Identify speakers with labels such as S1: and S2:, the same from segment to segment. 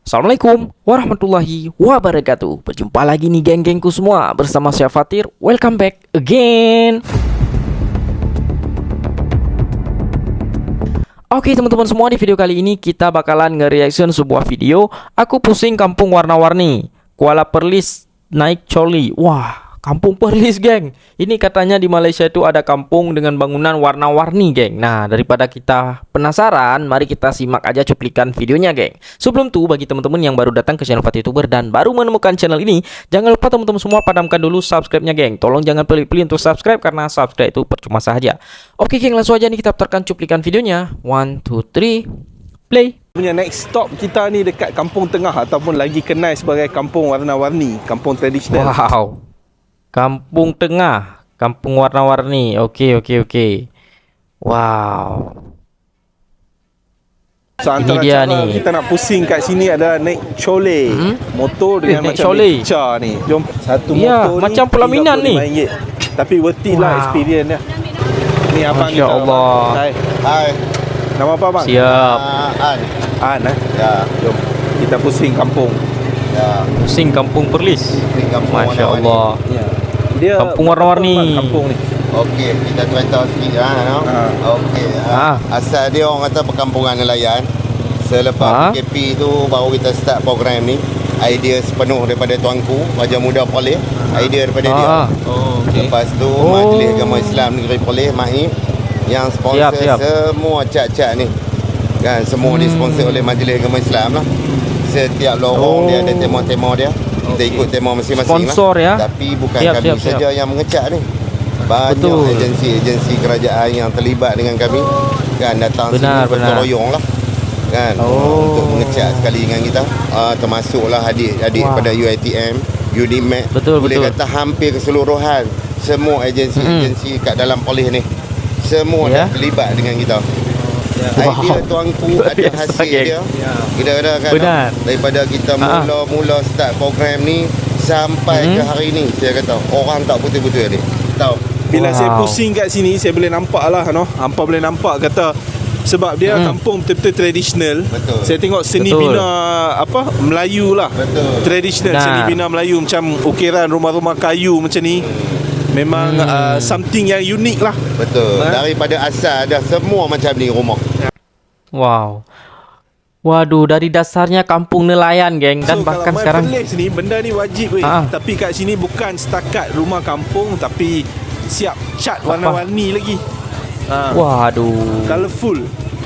S1: Assalamualaikum warahmatullahi wabarakatuh. Berjumpa lagi nih geng-gengku semua. Bersama saya Fatir. Welcome back again. Oke teman-teman semua, di video kali ini kita bakalan nge-reaction sebuah video Aku Pusing Kampung Warna-Warni Kuala Perlis naik coli. Wah, Kampung Perlis geng. Ini katanya di Malaysia itu ada kampung dengan bangunan warna-warni geng. Nah, daripada kita penasaran, mari kita simak aja cuplikan videonya geng. Sebelum itu, bagi teman-teman yang baru datang ke channel Fatir Youtuber dan baru menemukan channel ini, jangan lupa teman-teman semua padamkan dulu subscribe-nya geng. Tolong jangan pelit-pelit untuk subscribe karena subscribe itu percuma saja. Oke geng, langsung aja nih kita putarkan cuplikan videonya. 1, 2, 3, play.
S2: Punya next stop kita ni dekat Kampung Tengah ataupun lagi kenal sebagai Kampung Warna-Warni, kampung tradisional.
S1: Wow, Kampung Tengah, Kampung Warna-Warni. Oke. Wow.
S2: So antara
S1: dia
S2: cara
S1: nih.
S2: kita nak pusing kat sini adalah naik cole. Motor dengan
S1: naik
S2: macam
S1: cole.
S2: picture ni. Jom satu
S1: Ya,
S2: motor
S1: macam
S2: ni
S1: pelaminan ni.
S2: RM35. Tapi worth it lah
S1: Wow.
S2: experience dia. Ni abang
S1: Masya
S2: kita.
S1: Allah.
S2: Hai. Nama apa bang?
S1: Siap.
S2: An
S3: Ya,
S2: Jom kita pusing kampung.
S3: ya.
S1: Pusing Kampung Perlis.
S3: Pusing Kampung
S1: Masya
S3: Warna-Warni.
S1: Allah.
S2: Ya. Dia
S1: Kampung warna-warni.
S2: kampung ni.
S3: Okey, kita cerita sikit no? Okey. Asal dia orang kata perkampungan nelayan. Selepas PKP tu baru kita start program ni. Idea sepenuh daripada tuanku, Raja Muda Perlis. Idea daripada dia.
S2: Oh, okey.
S3: Lepas tu Majlis Agama Islam Negeri Perlis, MAIP, yang sponsor
S1: Siap.
S3: semua cat-cat ni. Kan semua disponsor oleh Majlis Agama Islam lah. Setiap lorong dia ada tema-tema dia. Kita ikut tema masing-masing
S1: Sponsor
S3: lah.
S1: ya.
S3: Tapi bukan
S1: Siap,
S3: kami
S1: siap.
S3: saja yang mengecat ni. Banyak
S1: Betul.
S3: agensi-agensi kerajaan yang terlibat dengan kami. Kan datang
S1: Benar.
S3: sini bergotong royong lah. Kan untuk mengecat sekali dengan kita. Termasuklah adik-adik pada UiTM, UNIMAC.
S1: Betul.
S3: Kata hampir keseluruhan semua agensi-agensi kat dalam polis ni. Semua dah terlibat dengan kita. Idea tuanku ada
S1: biasa,
S3: hasil
S1: geng.
S3: dia. Kita kan
S1: Benar.
S3: daripada kita mula start program ni sampai ke hari ni, saya kata orang tak putus-putus ni. Tahu.
S2: Bila saya pusing kat sini, saya boleh nampak lah hampa boleh nampak kata sebab dia kampung betul-betul tradisional.
S3: Betul.
S2: Saya tengok seni
S1: Betul.
S2: bina Melayu lah.
S3: Betul.
S2: Tradisional
S1: Benar.
S2: seni bina Melayu macam ukiran rumah-rumah kayu macam ni. Memang something yang unik lah.
S3: Betul. Daripada asal dah semua macam ni rumah.
S1: Wow. Waduh, dari dasarnya kampung nelayan geng. Dan bahkan
S2: kalau
S1: sekarang
S2: Perlis ni benda ni wajib weh. Tapi kat sini bukan setakat rumah kampung, tapi siap cat warna-warni lagi.
S1: waduh.
S2: Colourful.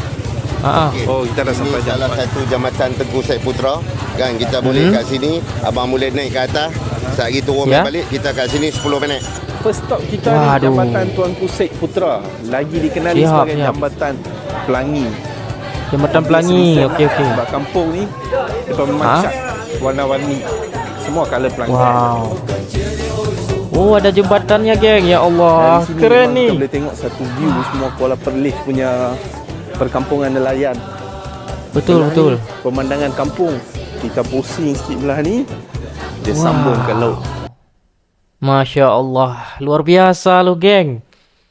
S2: Oh, kita dah sampai
S3: Salah
S2: jambatan.
S3: satu jambatan Tengku Said Putra. Kan kita boleh kat sini, abang boleh naik ke atas. Sehari turun balik, kita kat sini 10 minit.
S2: First stop kita ni Jambatan Tuanku Syed Putra, lagi dikenali sebagai Jambatan Pelangi.
S1: Jambatan Pelangi. Okey.
S2: Sebab kampung ni depa memang cat warna-warni. Semua colour pelangi.
S1: Wow. Oh, ada jembatannya geng. Ya Allah,
S2: Dari sini
S1: keren
S2: memang
S1: ni.
S2: kita boleh tengok satu view semua Kuala Perlis punya perkampungan nelayan.
S1: Betul.
S2: Pemandangan kampung. Kita pusing sikit belah ni, dia sambung ke laut.
S1: Masya Allah, luar biasa lu geng.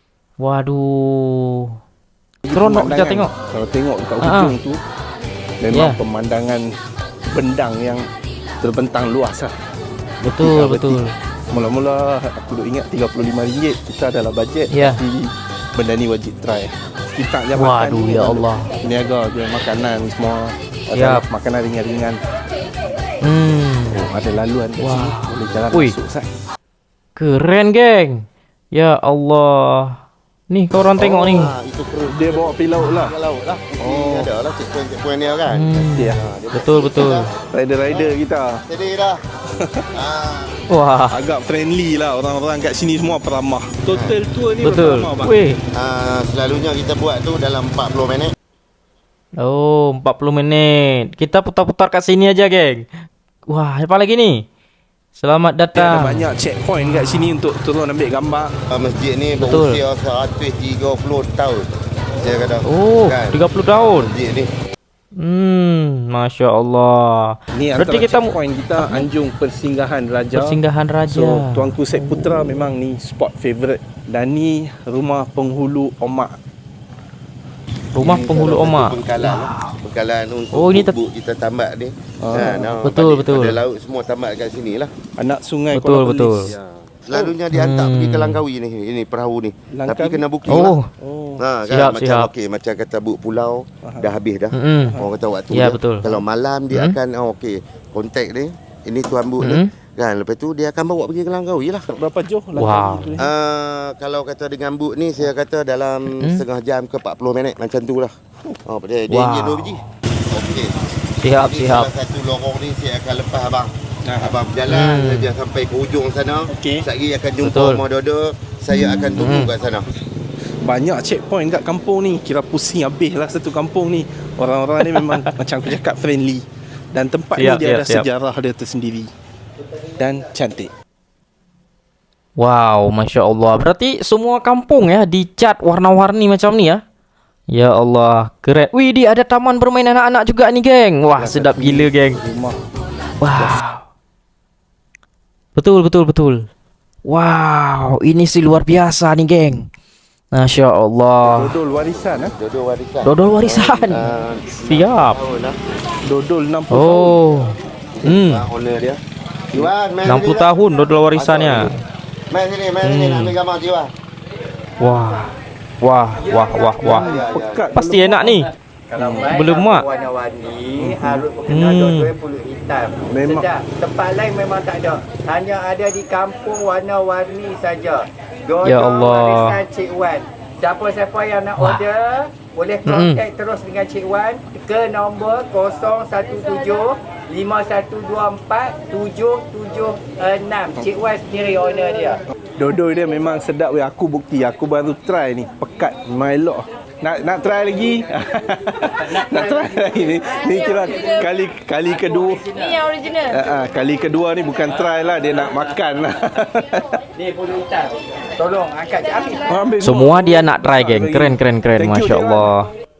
S1: Waduh, seronok kita tengok.
S2: Kalau tengok kat hujung tu, memang pemandangan bendang yang terbentang luas lah.
S1: Betul.
S2: Mula-mula aku duk ingat RM35, kita adalah bajet. Tapi benda ni wajib try. Kita jambatan.
S1: Waduh, ya Allah.
S2: Niaga je makanan semua. Ada makanan ringan-ringan. Ada laluan kat sini. Boleh jalan masuk sah.
S1: Keren geng. Ya Allah. Nih kau orang tengok ni.
S3: Itu kru
S2: Dia bawa pergi laut lah.
S3: laut lah. Ada lah checkpoint dia kan.
S2: Ya.
S1: Betul.
S2: Rider-rider kita.
S3: Jadi dah.
S1: Wah.
S2: Agak friendly lah, orang-orang kat sini semua peramah. Total tour ni
S1: Betul.
S2: berapa lama bang?
S1: Weh.
S3: Selalunya kita buat tu dalam 40 minit.
S1: Oh, 40 menit. Kita putar-putar kat sini aja geng. Wah, apa lagi ni? Selamat
S2: Dia ada
S1: datang.
S2: banyak checkpoint kat sini untuk turun ambil gambar.
S3: Masjid ni berusia 130 tahun. Saya kata.
S1: Oh, 30 tahun.
S3: Masjid ni.
S1: Masya Allah.
S2: Ni
S1: Berarti
S2: antara
S1: kita
S2: checkpoint kita Anjung Persinggahan Raja.
S1: Raja.
S2: So Tuanku Syed Putra memang ni spot favourite. Dan ni rumah penghulu Omak.
S1: Rumah
S3: Ini
S1: penghulu
S3: salah satu
S1: omak.
S3: Bengkalan, bengkalan untuk
S1: Oh, ini
S3: bubuk kita tambak ni.
S1: Betul, betul.
S3: Pada laut semua tambak kat sini lah.
S2: Anak sungai
S1: Betul,
S2: Kuala
S1: betul.
S2: Perlis.
S3: Ya. Selalunya dihantar pergi ke Langkawi ni. Ini perahu ni.
S2: Langkawi?
S3: Tapi kena booking
S1: Oh.
S3: lah.
S2: Oh.
S3: Kan,
S1: Siap,
S3: macam
S1: siap.
S3: okey, macam kata buk pulau dah habis dah. Orang kata waktu
S1: Ya,
S3: dia.
S1: betul.
S3: Kalau malam dia akan okey, kontak dia. Ini tuan buk ni. Kan lepas tu dia akan bawa pergi ke Langkawi lah.
S2: Berapa jauh
S1: Wow.
S2: Langkawi tu?
S3: Kalau kata dengan buk ni saya kata dalam setengah jam ke 40 minit macam tu lah. Dia injek 2 biji. Okey.
S1: Siap,
S3: Jadi
S1: siap.
S3: salah satu lorong ni saya akan lepas abang. Abang berjalan saja sampai ke hujung sana.
S2: Okey.
S3: Sekejap lagi akan jumpa
S1: Betul.
S3: rumah Dodo. Saya akan tunggu kat sana.
S2: Banyak checkpoint kat kampung ni. Kira pusing habis lah satu kampung ni. Orang-orang ni memang macam aku cakap friendly. Dan tempat ni dia ada sejarah dia tersendiri. Dan cantik.
S1: Wow, Masya Allah. Berarti semua kampung ya dicat warna-warni macam ni ya. Ya Allah, keren. Wih, dia ada taman bermain anak-anak juga nih, geng. Wah, sedap gila, geng.
S2: Rumah.
S1: Wow. Betul, betul, betul. Wow, ini sih luar biasa nih, geng. Masya Allah.
S2: Dodol warisan ah.
S3: Dodo warisan.
S1: Dodol warisan. Siap.
S2: Dodol 60 tahun.
S1: Oh.
S3: Owner dia. Jiwan,
S1: 60 tahun dodol warisannya.
S3: Main sini nak ambil gambar Jiwan.
S1: Wah. Wah, wah, wah, wah.
S2: Pekat.
S1: Pasti enak nih.
S4: Kalau main
S1: Belum mak.
S4: warna-warni harus berkenal dua-dua pulut hitam.
S2: Memang.
S4: Sedap. Tempat lain memang tak ada. Hanya ada di kampung warna-warni saja. Dodol
S1: Ya Allah.
S4: warisan Cik Wan. Siapa-siapa yang nak order boleh contact terus dengan Cik Wan ke nombor 017 5124 776. Cik Wan sendiri owner dia.
S2: Dodol dia memang sedap weh. Aku bukti, aku baru try ni. Pekat, melok. Nak try lagi? Nak try lagi ni. Ni kira kali kedua.
S5: Ni yang original.
S2: Kali kedua ni bukan try lah, dia nak makan lah.
S4: Ni pulut hitam. Tolong angkat Cik Hafiz.
S2: Ambil
S1: Semua dia nak try, geng. Keren, keren, keren.
S2: Thank you,
S1: Masya Allah.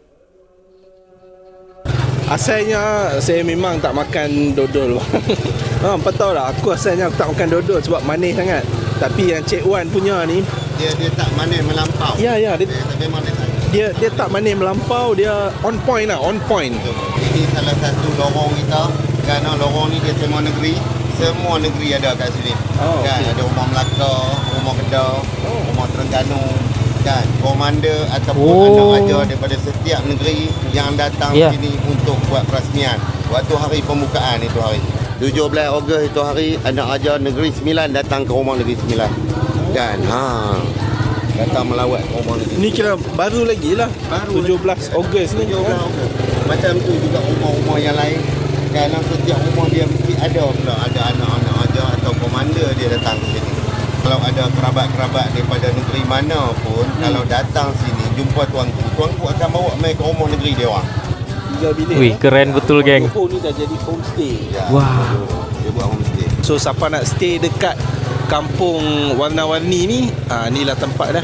S2: Asalnya saya memang tak makan dodol. Apa tahu lah, aku asalnya aku tak makan dodol sebab manis sangat. Tapi yang Cik Wan punya ni,
S3: Dia tak manis melampau.
S2: ya dia
S3: Memang dia tak.
S2: dia tak manis melampau, dia on point lah, on point.
S3: Ini salah satu lorong kita. Kerana lorong ni dia semua negeri. Semua negeri ada kat sini.
S2: Oh,
S3: Kan
S2: okey.
S3: ada rumah Melaka, rumah Kedah, rumah Terengganu. Kan komander ataupun anak ajar daripada setiap negeri yang datang
S1: Ya.
S3: sini untuk buat perasmian. Waktu hari pembukaan itu hari 17 Ogos itu hari anak ajar Negeri Sembilan datang ke rumah Negeri Sembilan. Kan datang melawat ke rumah Negeri.
S2: Ni kira baru lagi lah.
S3: Baru
S2: 17 Ogos ni.
S3: 17 Ogos. Macam tu juga rumah-rumah yang lain. Kerana setiap rumah dia mesti ada pula ada anak-anak ajar atau komander dia datang ke sini. Kalau ada kerabat-kerabat daripada negeri mana pun, kalau datang sini jumpa tuanku akan bawa mai ke rumah negeri dia orang.
S2: 3 bilik.
S1: Wih, keren betul, geng.
S2: Oh, ni dah jadi homestay.
S3: Ya,
S1: Wow.
S3: Dia buat homestay.
S2: So siapa nak stay dekat kampung warna-warni ni, inilah tempat dah.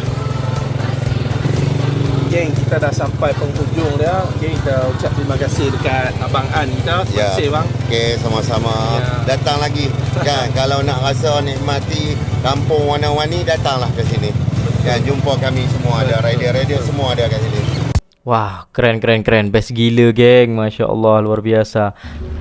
S2: Geng, kita dah sampai penghujung dah. Geng, kita ucap terima kasih dekat Abang An kita. Terima kasih bang.
S3: Okey, sama-sama.
S2: Ya.
S3: Datang lagi. Kan, kalau nak rasa nikmati kampung warna-warni, datanglah ke sini. Kan, jumpa kami semua ada rider-rider semua ada kat sini.
S1: Wah, keren, keren, keren. Best gila, geng. Masya Allah, luar biasa.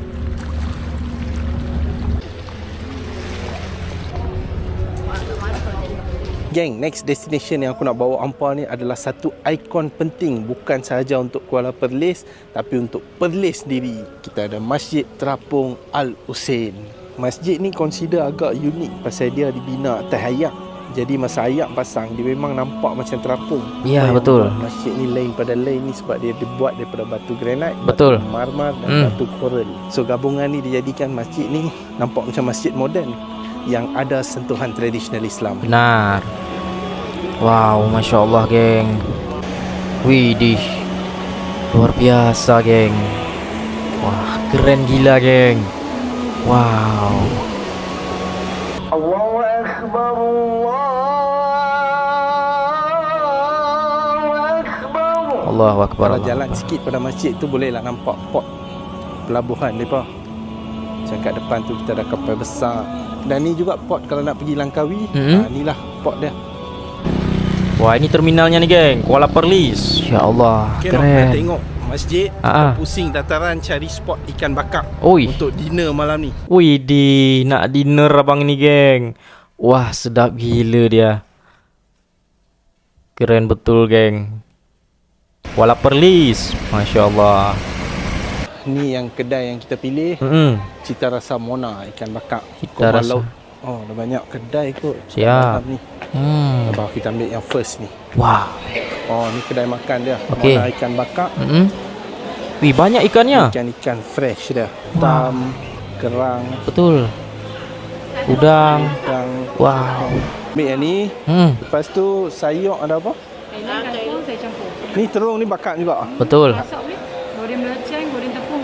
S2: Geng, next destination yang aku nak bawa hampa ni adalah satu ikon penting, bukan sahaja untuk Kuala Perlis tapi untuk Perlis sendiri. Kita ada Masjid Terapung Al-Husain. Masjid ni consider agak unik pasal dia dibina atas ayak. Jadi masa ayak pasang, dia memang nampak macam terapung.
S1: Ya,
S2: Apa yang
S1: betul.
S2: buat Masjid ni lain pada lain ni sebab dia dibuat daripada batu granit,
S1: Betul.
S2: batu marmar dan batu koral. So gabungan ni dijadikan masjid ni nampak macam masjid moden yang ada sentuhan tradisional Islam.
S1: Benar. Wow, Masya Allah, geng. Widih, luar biasa, geng. Wah, keren gila, geng. Wow.
S4: Allahu Akbar,
S1: Allahu Akbar.
S2: Kalau jalan sikit pada masjid tu bolehlah nampak port pelabuhan mereka. Macam kat depan tu kita ada kapal besar. Dan ni juga port kalau nak pergi Langkawi.
S1: Mhm.
S2: Inilah port dia.
S1: Wah, ini terminalnya nih, geng. Kuala Perlis. Ya Allah,
S2: Okay, nak
S1: keren.
S2: tengok masjid.
S1: Ah.
S2: Kita pusing dataran cari spot ikan bakar
S1: Oi.
S2: untuk dinner malam ni.
S1: Wih, nak dinner abang ini, geng. Wah, sedap gila dia. Keren betul, geng. Kuala Perlis. Masya Allah.
S2: Ni yang kedai yang kita pilih. Cita Rasa Mona ikan bakar.
S1: Cita
S2: Korban
S1: Rasa.
S2: laut. Oh, dah banyak kedai kot.
S1: Siap.
S2: Malam ni. Abang kita ambil yang first ni.
S1: Wah.
S2: Oh, ni kedai makan dia.
S1: Okey.
S2: Mona ikan bakar.
S1: Wih, banyak ikannya.
S2: Ikan-ikan fresh dia. Tam, kerang,
S1: Betul. Udang.
S2: yang
S1: Wow.
S2: ambil yang ni. Lepas tu sayur ada apa?
S5: Kailan saya campur.
S2: Ni terung ni bakar juga.
S1: Betul.
S5: Masak weh. Goreng belacan, goreng tepung.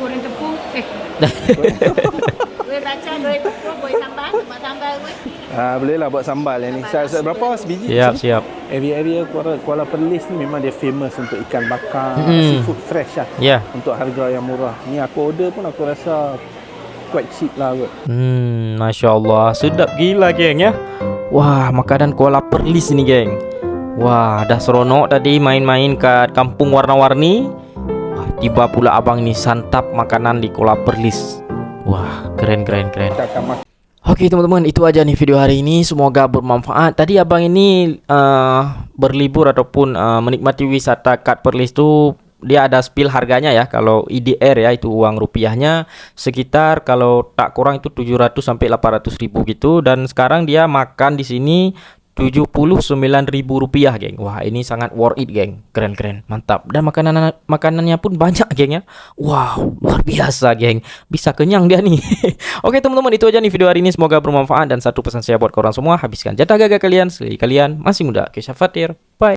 S5: Goreng belacan, goreng tepung, goreng sambal. Buat sambal weh.
S2: Boleh lah buat sambal yang ni. Berapa sebiji?
S1: Siap.
S2: Area Kuala Perlis ni memang dia famous untuk ikan bakar, seafood fresh lah.
S1: Ya.
S2: Untuk harga yang murah. Ni aku order pun aku rasa quite cheap lah kot.
S1: Masya Allah. Sedap gila, geng ya. Wah, makanan Kuala Perlis ni, geng. Wah, dah seronok tadi main-main kat kampung warna-warni. Wah, tiba pula abang ni santap makanan di Kuala Perlis. Wah, keren.
S2: Kita akan makan.
S1: Oke teman-teman, itu aja nih video hari ini. Semoga bermanfaat. Tadi abang ini berlibur ataupun menikmati wisata kat Perlis tu, dia ada spill harganya ya. Kalau IDR ya, itu uang rupiahnya sekitar kalau tak kurang itu 700 sampai 800 ribu gitu. Dan sekarang dia makan di sini 79.000 rupiah, geng. Wah, ini sangat worth it, geng. Keren, mantap. Dan makanannya pun banyak, geng ya. Wow, luar biasa, geng. Bisa kenyang dia nih. Oke teman-teman, itu aja nih video hari ini. Semoga bermanfaat. Dan satu pesan saya buat korang semua, habiskan jatah gagah kalian selagi kalian masih muda. Kesya Fatir, bye.